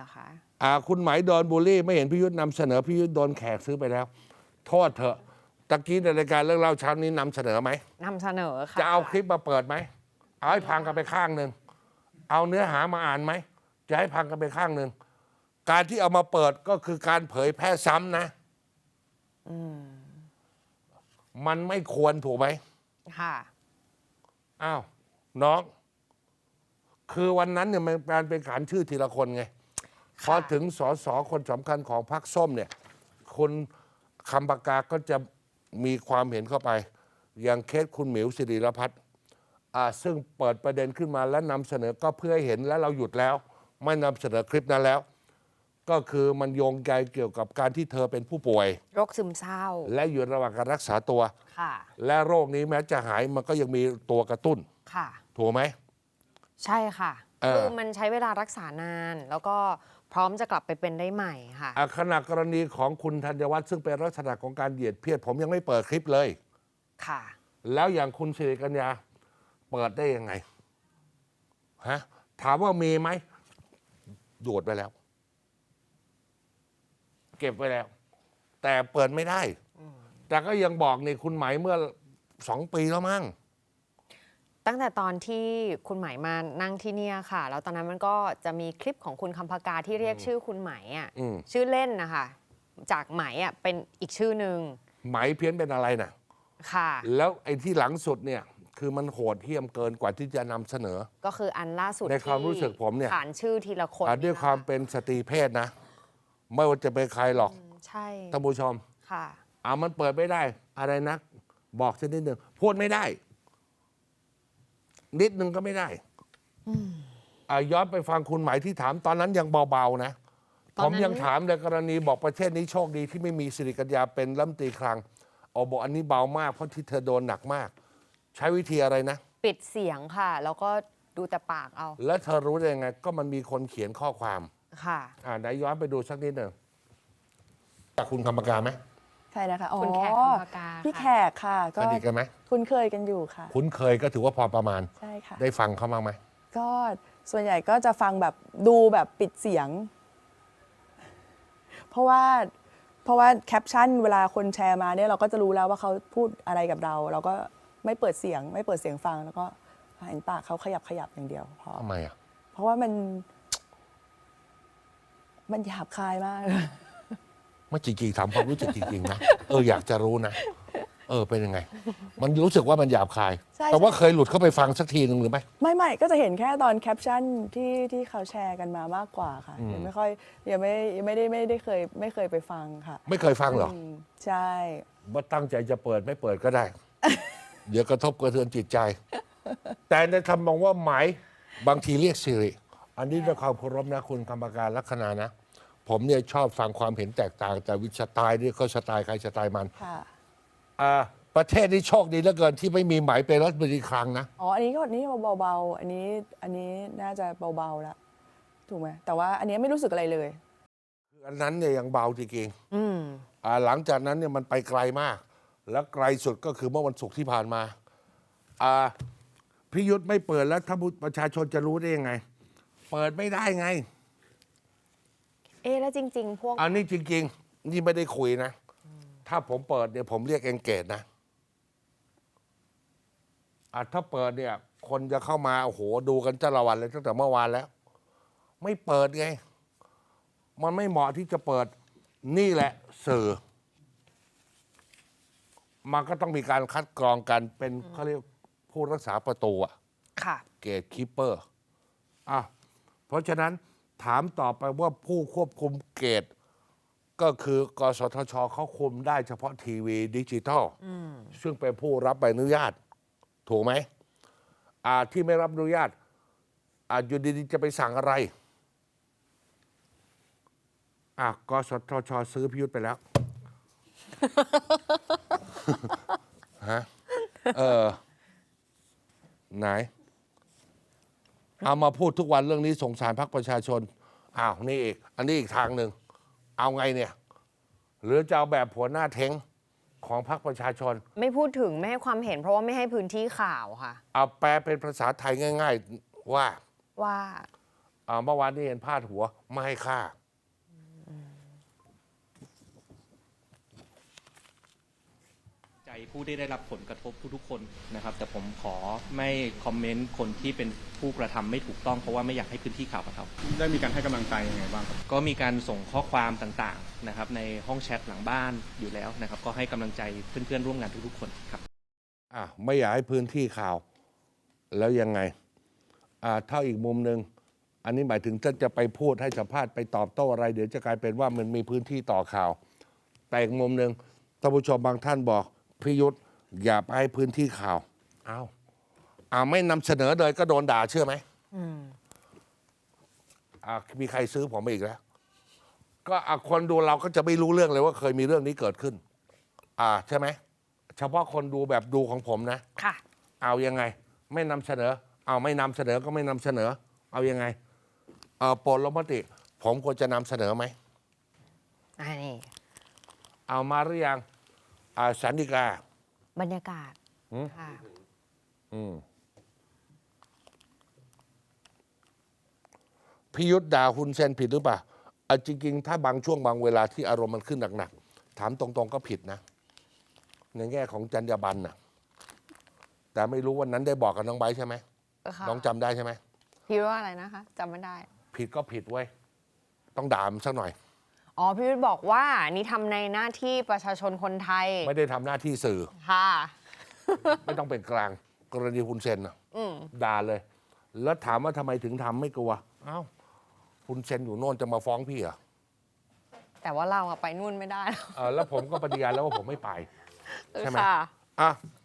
รอคะคุณไหมโดนบูลลี่ไม่เห็นพิยุทธ์นำเสนอพิยุทธ์โดนแขกซื้อไปแล้วโทษเถอะตะกี้ในรายการเรื่องเล่าเช้านี้นำเสนอไหมนำเสนอค่ะจะเอาคลิปมาเปิดไหมเอาให้พังกันไปข้างหนึ่งเอาเนื้อหามาอ่านไหมจะให้พังกันไปข้างหนึ่งการที่เอามาเปิดก็คือการเผยแพร่ซ้ำนะมันไม่ควรถูกไหมค่ะอ้าวน้องคือวันนั้นเนี่ยมันการเป็นขานชื่อทีละคนไงพอถึงสสคนสำคัญของพรรคส้มเนี่ยคุณคำปากาก็จะมีความเห็นเข้าไปอย่างเคสคุณหมิวสิริรพัฒน์ซึ่งเปิดประเด็นขึ้นมาและนำเสนอก็เพื่อให้เห็นและเราหยุดแล้วไม่นำเสนอคลิปนั้นแล้วก็คือมันโยงใยเกี่ยวกับการที่เธอเป็นผู้ป่วยโรคซึมเศร้าและอยู่ระหว่างการรักษาตัวและโรคนี้แม้จะหายมันก็ยังมีตัวกระตุ้นค่ะถูกไหมใช่ค่ะคือมันใช้เวลารักษานานแล้วก็พร้อมจะกลับไปเป็นได้ใหม่ค่ะขณะกรณีของคุณธัญวัฒน์ซึ่งเป็นลักษณะของการเหยียดเพศผมยังไม่เปิดคลิปเลยค่ะแล้วอย่างคุณสิริกัญญาเปิดได้ยังไงฮะถามว่ามีไหมดูดไปแล้วเก็บไว้แล้วแต่เปิดไม่ได้แต่ก็ยังบอกนี่คุณไหมเมื่อ2 ปีแล้วมั้งตั้งแต่ตอนที่คุณไหมมานั่งที่เนี่ยค่ะแล้วตอนนั้นมันก็จะมีคลิปของคุณคำพากาที่เรียกชื่อคุณไหมอ่ะชื่อเล่นนะคะจากไหมอ่ะเป็นอีกชื่อหนึ่งไหมเพี้ยนเป็นอะไรน่ะค่ะแล้วไอ้ที่หลังสุดเนี่ยคือมันโหดเหี้ยมเกินกว่าที่จะนำเสนอก็คืออันล่าสุดในความรู้สึกผมเนี่ยขานชื่อทีละคนด้วยความเป็นสตรีเพศนะไม่ว่าจะเป็นใครหรอกใช่ท่านผู้ชมค่ะมันเปิดไม่ได้อะไรนะบอกสักนิดหนึ่งพูดไม่ได้นิดนึงก็ไม่ได้ย้อนไปฟังคุณหมายที่ถามตอนนั้นยังเบาๆนะผมยังถามในกรณีบอกประเทศนี้โชคดีที่ไม่มีสิริกัญญาเป็นรัฐมนตรีคลังบอกอันนี้เบามากเพราะที่เธอโดนหนักมากใช้วิธีอะไรนะปิดเสียงค่ะแล้วก็ดูแต่ปากเอาแล้วเธอรู้ได้ยังไงก็มันมีคนเขียนข้อความค่ะไหนย้อนไปดูสักนิดหนึ่งจากคุณคำปากาไหมใช่นะคะคุณแขกคำปากาพี่แขกค่ะก็สนิทกันไหมคุ้นเคยกันอยู่ค่ะคุ้นเคยก็ถือว่าพอประมาณใช่ค่ะได้ฟังเขาบ้างไหมก็ส่วนใหญ่ก็จะฟังแบบดูแบบปิดเสียงเพราะว่าแคปชั่นเวลาคนแชร์มาเนี่ยเราก็จะรู้แล้วว่าเขาพูดอะไรกับเราเราก็ไม่เปิดเสียงฟังแล้วก็เห็นปากเขาขยับอย่างเดียวพอทำไมเพราะว่ามันหยาบคายมากไม่จริงๆถามความรู้สึกจริงๆนะอยากจะรู้นะเป็นยังไงมันรู้สึกว่ามันหยาบคายแต่ว่าเคยหลุดเข้าไปฟังสักทีหนึ่งหรือไม่ก็จะเห็นแค่ตอนแคปชั่นที่เขาแชร์กันมามากกว่าค่ะยังไม่ค่อยยังไม่เคยไปฟังค่ะไม่เคยฟังหรอใช่ว่าตั้งใจจะเปิดไม่เปิดก็ได้ เดี๋ยวกระทบกระเทือนจิตใจ แต่ในคำมองว่าหมายบางทีเรียกสิริอันนี้ด้วยความเคารพนะคุณกรรมการลัคนานะผมเนี่ยชอบฟังความเห็นแตกต่างแต่วิชสไตล์นี่เขาสไตล์ใครสไตล์มันประเทศนี้โชคดีเหลือเกินที่ไม่มีหมายเป็นรัฐมนตรีคลังนะอันนี้ก็นี่เบาๆอันนี้น่าจะเบาๆแล้วถูกไหมแต่ว่าอันนี้ไม่รู้สึกอะไรเลยอันนั้นเนี่ยยังเบาจริงหลังจากนั้นเนี่ยมันไปไกลมากแล้วไกลสุดก็คือเมื่อวันศุกร์ที่ผ่านมาพิยุทธ์ไม่เปิดแล้วถ้าประชาชนจะรู้ได้ยังไงเปิดไม่ได้ไงแล้วจริงๆพวกอันนี้จริงๆนี่ไม่ได้คุยนะถ้าผมเปิดเนี่ยผมเรียกเอนเกจนะถ้าเปิดเนี่ยคนจะเข้ามาโอ้โหดูกันจ้าละวันเลยตั้งแต่เมื่อวานแล้วไม่เปิดไงมันไม่เหมาะที่จะเปิดนี่แหละสื่อมันก็ต้องมีการคัดกรองกันเป็นเขาเรียกผู้รักษาประตูค่ะเกตคีปเปอร์เพราะฉะนั้นถามต่อไปว่าผู้ควบคุมเกตก็คือกสทชเขาคุมได้เฉพาะทีวีดิจิทัลซึ่งเป็นผู้รับใบอนุญาตถูกไหมที่ไม่รับอนุญาตอยู่ดีๆจะไปสั่งอะไรกสทชซื้อพิยุทธ์ไปแล้ว ฮะไหนเอามาพูดทุกวันเรื่องนี้สงสารพรรคประชาชนนี่อีกอันนี้อีกทางหนึ่งเอาไงเนี่ยหรือจะเอาแบบหัวหน้าเท้งของพรรคประชาชนไม่พูดถึงไม่ให้ความเห็นเพราะว่าไม่ให้พื้นที่ข่าวค่ะเอาแปลเป็นภาษาไทยง่ายๆว่าเมื่อวานนี้เห็นพาดหัวไม่ให้ค่าใจผู้ที่ได้รับผลกระทบทุกๆคนนะครับ แต่ผมขอไม่คอมเมนต์คนที่เป็นผู้กระทำไม่ถูกต้องเพราะว่าไม่อยากให้พื้นที่ข่าวกระทบได้มีการให้กำลังใจยังไงบ้างครับก็มีการส่งข้อความต่างๆนะครับในห้องแชทหลังบ้านอยู่แล้วนะครับ ก็ให้กำลังใจเพื่อนๆร่วมงานทุกๆคนครับไม่อยากให้พื้นที่ข่าว แล้วยังไงเท่าอีกมุมหนึ่งอันนี้หมายถึงท่านจะไปพูดให้สัมภาษณ์ไปตอบโต้อะไร เดี๋ยวจะกลายเป็นว่ามันมีพื้นที่ต่อข่าว แต่อีกมุมหนึ่งท่านผู้ชมบางท่านบอกพิยุทธ์อย่าไปให้พื้นที่ข่าวไม่นำเสนอเลยก็โดนด่าเชื่อไหมมีใครซื้อผมไปอีกแล้ว ก็คนดูเราก็จะไม่รู้เรื่องเลยว่าเคยมีเรื่องนี้เกิดขึ้นใช่ไหมเฉพาะคนดูแบบดูของผมนะค่ะเอายังไง ไม่นำเสนอไม่นำเสนอก็ไม่นำเสนอ เอายังไงโปรดลงมติ ผมควรจะนำเสนอไหมนี่เอามาหรือยังสันติกาบรรยากาศค่ะพิยุทธ์ด่าฮุนเซนผิดหรือเปล่าจริงๆ ถ้าบางช่วงบางเวลาที่อารมณ์มันขึ้นหนักๆ ถามตรงๆก็ผิดนะ ในแง่ของจรรยาบรรณนะแต่ไม่รู้วันนั้นได้บอกกับน้องไบร์ทใช่ไหมค่ะน้องจำได้ใช่ไหมพี่ว่าอะไรนะคะจำไม่ได้ผิดก็ผิดเว้ย ต้องด่ามันสักหน่อยอ๋อ พี่วิทย์บอกว่านี่ทำในหน้าที่ประชาชนคนไทยไม่ได้ทำหน้าที่สื่อค่ะไม่ต้องเป็นกลาง กรณีฮุนเซนนะด่าเลย แล้วถามว่าทำไมถึงทำไม่กลัวฮุนเซนอยู่โน่นจะมาฟ้องพี่เหรอแต่ว่าเราอะไปนู่นไม่ได้แล้วผมก็ปฏิญาณแล้วว่าผมไม่ไป ใช่ไหมค่ะอ่ะ